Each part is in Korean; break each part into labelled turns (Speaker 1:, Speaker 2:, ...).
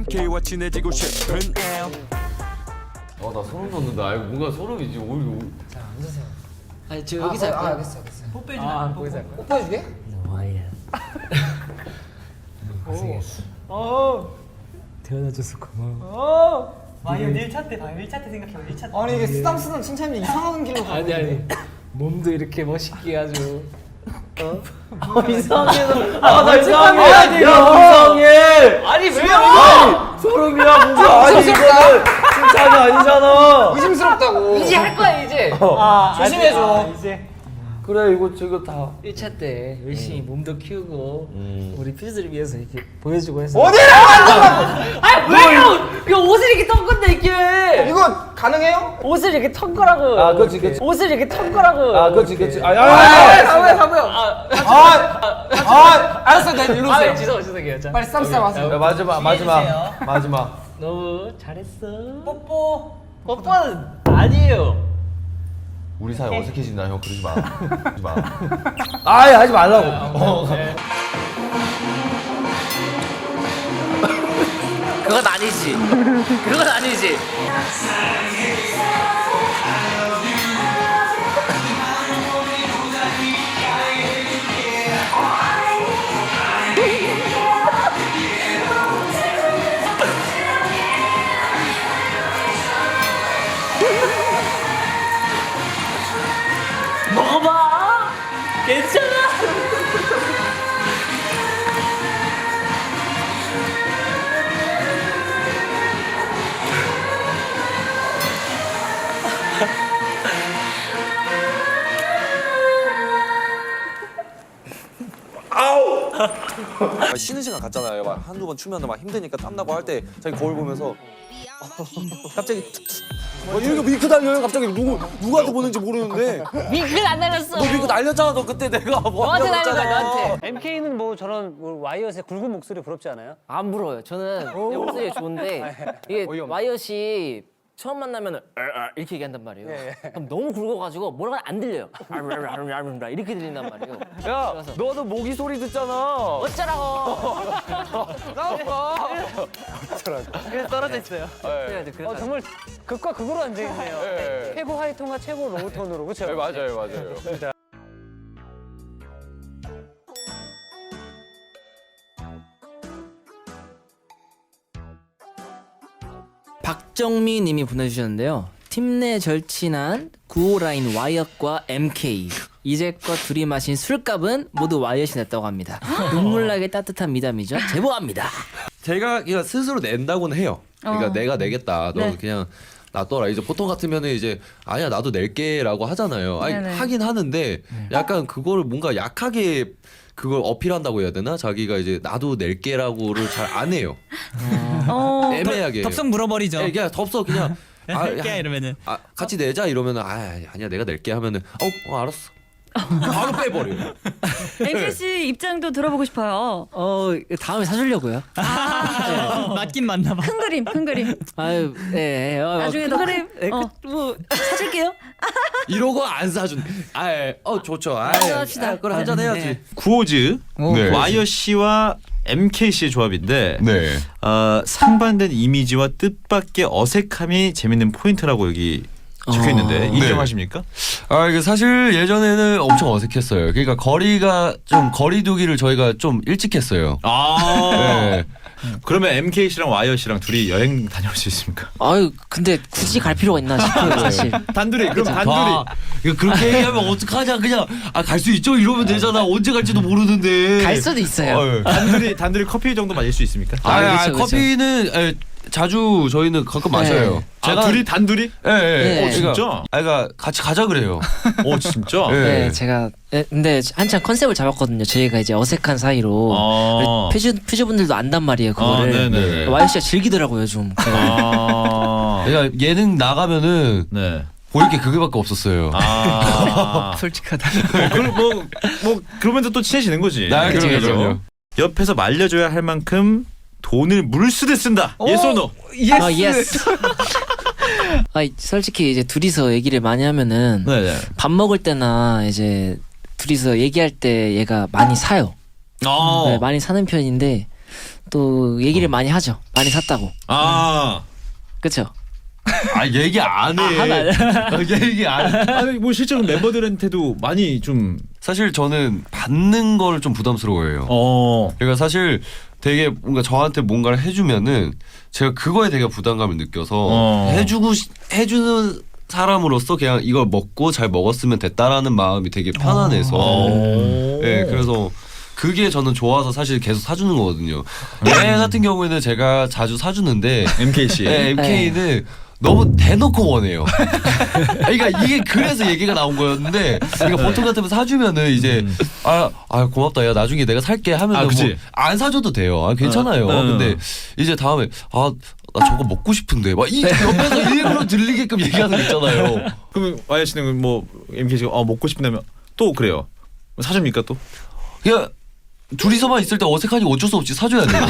Speaker 1: MK와 친해지고 싶은 L.
Speaker 2: 나 소름 돋는다. 이거 뭔가 소름이지.
Speaker 3: 자 앉으세요.
Speaker 4: 아니 저 여기서 할까요?
Speaker 3: 알겠어.
Speaker 4: 뽀뽀해주면 안 돼.
Speaker 3: 거기서 할까요? 뽀뽀해주게?
Speaker 4: 와이야.
Speaker 3: 고생했어. 태어나줘서 고마워.
Speaker 5: 와이어 1차 때 봐요. 1차 때 생각해요. 1차 때.
Speaker 3: 아니 이게 쓰담쓰담 칭찬이 이상한 길로 가고
Speaker 4: 아니 몸도 이렇게 멋있게 아주
Speaker 2: 이상해.
Speaker 4: 나
Speaker 2: 이상해.
Speaker 4: 야
Speaker 2: 이상해.
Speaker 4: 아니 왜요?
Speaker 2: 소름이야 뭔가. 아니 이거는 칭찬이 아니잖아.
Speaker 3: 의심스럽다고.
Speaker 4: 이제 할 거야 이제
Speaker 3: 조심해줘.
Speaker 5: 이제
Speaker 2: 그래 이거 저거 다.
Speaker 4: 1차 때 열심히 몸도 키우고 우리 퓨즈를 위해서 이렇게 보여주고 해서
Speaker 3: 어디라고
Speaker 4: 왜요? 이거 옷을 이렇게 턴 건데 이게
Speaker 3: 이거 가능해요?
Speaker 4: 옷을 이렇게 턴 거라고
Speaker 2: 아, 그렇지.
Speaker 4: 옷을 이렇게 턴 거라고
Speaker 2: 그렇지.
Speaker 3: 사고요. 알았어, 나 일로 오세요.
Speaker 4: 죄송해요 자.
Speaker 3: 빨리 쓰담쓰담 하세요.
Speaker 2: 야, 마지막.
Speaker 4: 너무 잘했어
Speaker 5: 뽀뽀.
Speaker 4: 뽀뽀는 아니에요
Speaker 2: 우리 사이 어색해진다 형. 그러지 마. 그러지 마. 아예 하지 말라고.
Speaker 4: 그건 아니지 그건 아니지 먹어봐 괜찮아
Speaker 6: 쉬는 시간 갔잖아요. 막 한두 번 추면 막 힘드니까 땀나고 할 때 자기 거울 보면서 갑자기 이렇게 윙크 달려요. 갑자기 누구한테 보는지 모르는데
Speaker 4: 윙크를 안 날렸어
Speaker 6: 너 윙크 날렸잖아. 너 그때 내가 뭐
Speaker 4: 너한테 날린 거야
Speaker 6: 했잖아.
Speaker 4: 너한테
Speaker 5: MK는 뭐 저런 와이어스의 굵은 목소리 부럽지 않아요?
Speaker 4: 안 부러워요. 저는 이 목소리가 좋은데 이게 와이엇이 처음 만나면 이렇게 얘기한단 말이에요. 그럼 너무 굵어가지고 뭐라고 안 들려요. 이렇게 들린단 말이에요.
Speaker 2: 야,
Speaker 4: 그래서
Speaker 2: 너도 모기 소리 듣잖아.
Speaker 4: 어쩌라고.
Speaker 5: 그래서 떨어져 있어요.
Speaker 4: 그래가지고
Speaker 5: 정말 극과 극으로 앉아있네요.
Speaker 2: 네.
Speaker 5: 최고 하이톤과 최고 로우톤으로 그렇죠?
Speaker 2: 네, 맞아요.
Speaker 4: 박정미 님이 보내주셨는데요. 팀 내 절친한 9호 라인 와이엇과 MK 이제껏 둘이 마신 술값은 모두 와이엇이 냈다고 합니다. 눈물나게 따뜻한 미담이죠. 제보합니다.
Speaker 7: 제가 그냥 스스로 낸다고는 해요. 그러니까 내가 내겠다. 너 그냥 놔둬라. 이제 보통 같으면은 이제 아니야 나도 낼게라고 하잖아요. 아니, 하긴 하는데 약간 그거를 뭔가 약하게 그걸 어필한다고 해야 되나? 자기가 이제 나도 낼게라고를 잘 안 해요. 애매하게.
Speaker 8: 덥석 물어버리죠.
Speaker 7: 네, 그냥 덥석 그냥
Speaker 8: 낼게 이러면은
Speaker 7: 같이 내자 이러면은 아니야 내가 낼게 하면은 알았어. 바로 빼버려요.
Speaker 9: MK 씨 입장도 들어보고 싶어요.
Speaker 4: 다음에 사주려고요.
Speaker 8: 맞긴 맞나 봐.
Speaker 9: 큰 그림.
Speaker 4: 아유, 네.
Speaker 9: 나중에 너 그림.
Speaker 4: 뭐 사줄게요.
Speaker 7: 이러고 안 사준. 좋죠.
Speaker 4: 합시다.
Speaker 7: 그럼 한잔 해야지.
Speaker 4: 네.
Speaker 10: 구호즈
Speaker 7: 네.
Speaker 10: 와이어 씨와 MK 씨의 조합인데
Speaker 7: 네.
Speaker 10: 상반된 이미지와 뜻밖의 어색함이 재밌는 포인트라고 여기 적혀 있는데 인정하십니까?
Speaker 7: 이게 사실 예전에는 엄청 어색했어요. 그러니까 거리두기를 저희가 좀 일찍 했어요. 네.
Speaker 10: 그러면 MK 씨랑 와이어 씨랑 둘이 여행 다녀올 수 있습니까?
Speaker 4: 아유, 근데 굳이 갈 필요가 있나 싶어요, 사실.
Speaker 10: 단둘이 그럼 단둘이.
Speaker 7: 이거 그렇게 얘기하면 어떡하냐. 그냥 갈 수 있죠 이러면 되잖아. 언제 갈지도 모르는데.
Speaker 4: 갈 수도 있어요.
Speaker 10: 단둘이 커피 정도 마실 수 있습니까?
Speaker 4: 그쵸.
Speaker 7: 커피는 자주 저희는 가끔 마셔요.
Speaker 10: 둘이 단둘이?
Speaker 7: 네.
Speaker 10: 진짜?
Speaker 7: 그러니까 같이 가자 그래요.
Speaker 10: 진짜?
Speaker 4: 네, 제가 근데 한참 컨셉을 잡았거든요. 저희가 이제 어색한 사이로 퓨즈분들도 안단 말이에요. 그거를
Speaker 10: 네네.
Speaker 4: 와이어 씨가 즐기더라고요, 좀.
Speaker 7: 그러니까 예능 나가면은 보일 게 그게밖에 없었어요.
Speaker 4: 솔직하다.
Speaker 10: 그러면서 또 친해지는 거지.
Speaker 7: 그럼요.
Speaker 10: 옆에서 말려줘야 할 만큼 돈을 물쓰듯 쓴다. 예스 or no?
Speaker 4: 예스. 솔직히 이제 둘이서 얘기를 많이 하면은 밥 먹을 때나 이제 둘이서 얘기할 때 얘가 많이 사요. 많이 사는 편인데 또 얘기를 많이 하죠. 많이 샀다고.
Speaker 10: 아.
Speaker 4: 그쵸?
Speaker 2: 아 얘기 안 해. 얘기 안 해.
Speaker 10: 아니 뭐 실제로 멤버들한테도 많이 좀
Speaker 2: 사실 저는 받는 걸 좀 부담스러워해요. 그러니까 사실 되게 뭔가 저한테 뭔가를 해주면은 제가 그거에 되게 부담감을 느껴서 해주는 사람으로서 그냥 이걸 먹고 잘 먹었으면 됐다라는 마음이 되게 편안해서 네, 그래서 그게 저는 좋아서 사실 계속 사주는 거거든요. 얘 같은 경우에는 제가 자주 사주는데
Speaker 10: MK 씨.
Speaker 2: 네, MK는 너무 대놓고 원해요. 그러니까 이게 그래서 얘기가 나온 거였는데, 그러니까 보통 같으면 사주면은 이제 아 고맙다, 야 나중에 내가 살게 하면은 뭐 안 사줘도 돼요. 아 괜찮아요. 근데 이제 다음에 나 저거 먹고 싶은데 막 이 옆에서 일부러 들리게끔 얘기하는 거 있잖아요.
Speaker 10: 그러면 와이어 씨는 뭐 MK 씨가 먹고 싶다면 또 그래요. 사줍니까 또?
Speaker 2: 그냥 둘이서만 있을 때 어색하니 어쩔 수 없이 사줘야 돼요.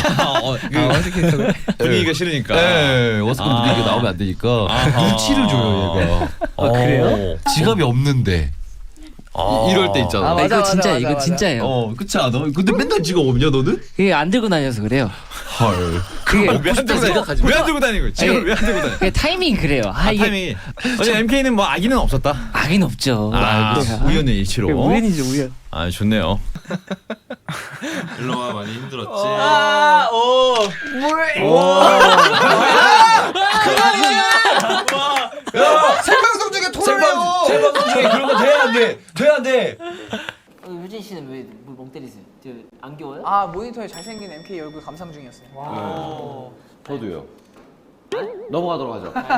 Speaker 10: 분위기가 싫으니까.
Speaker 2: 네, 어색한 분위기가 나오면 안 되니까 눈치를 줘요 얘가.
Speaker 4: 그래요?
Speaker 2: 지갑이 없는데 이럴 때 있잖아.
Speaker 4: 이거 진짜 이거 진짜예요.
Speaker 2: 그렇지 않아? 근데 맨날 지갑 없냐 너는?
Speaker 4: 그게 안 들고 다녀서 그래요.
Speaker 2: 헐.
Speaker 4: 그게
Speaker 10: 왜안 들고 다니고? 지금 왜안 들고 다니고?
Speaker 4: 그게 타이밍이 그래요. 이게
Speaker 10: 타이밍이. 어제 MK는 뭐 아기는 없었다.
Speaker 4: 악인 없죠.
Speaker 10: 우연의 일치로.
Speaker 4: 우연이죠 우연.
Speaker 10: 아 좋네요.
Speaker 2: 일로와 많이 힘들었지.
Speaker 3: 생방송 중에 토론해요.
Speaker 2: 생방송 중에 그런 거 돼야 안 돼. 돼야 안 돼.
Speaker 4: 유진 씨는 왜 멍 때리세요? 안 귀여워요?
Speaker 3: 아 모니터에 잘생긴 MK 얼굴 감상 중이었어요.
Speaker 2: 저도요. 넘어가도록 하죠.